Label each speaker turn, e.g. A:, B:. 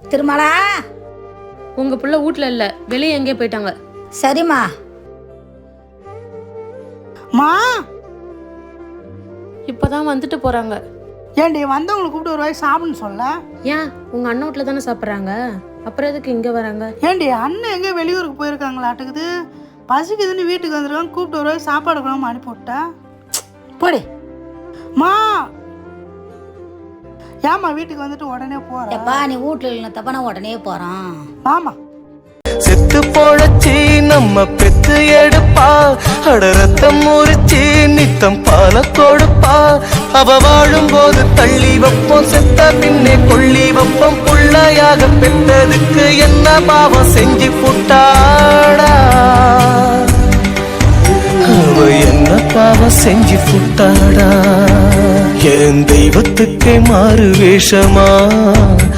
A: திருமலா,
B: உங்க புள்ள வீட்ல இல்ல, வெளியே எங்கே போயிட்டாங்க.
A: சரிம்மா.
C: மா,
B: இப்பதான் வந்துட்டு போறாங்க.
C: ஏண்டி வந்தவங்களை கூப்பிட்டு ஒரு வாய் சாப்பிடுன்னு சொல்ல?
B: ஏன் உங்க அண்ணன் வீட்ல தானே சாப்பிட்றாங்க, அப்புறம் எதுக்கு இங்க வராங்க?
C: ஏண்டி அண்ணன் எங்கே வெளியூருக்கு போயிருக்காங்களாட்டுக்குது, பசிக்குதுன்னு வீட்டுக்கு வந்துருக்காங்க, கூப்பிட்டு ஒரு வாய் சாப்பாடு கூடாம அனுப்பி விட்டா போடி. மா, ஏமா வீட்டுக்கு வந்துட்டு உடனே போற?
A: எப்பா நீ வீட்டுல இல்லைன்னா தப்பா நான் உடனே போறான்.
C: ஆமா,
D: செத்து போழச்சி நம்ம பெத்து எடுப்பா, அட ரத்தம் முறிச்சி நித்தம் பால கொடுப்பா. அவ வாழும் போது தள்ளி வைப்போம், செத்த பின்னே கொள்ளி வைப்போம். புள்ளையாக பெற்றதுக்கு என்ன பாவம் செஞ்சு புட்டாடா, அவ என்ன பாவம் செஞ்சு புட்டாடா. என் தெய்வத்துக்கே மாறு வேஷமா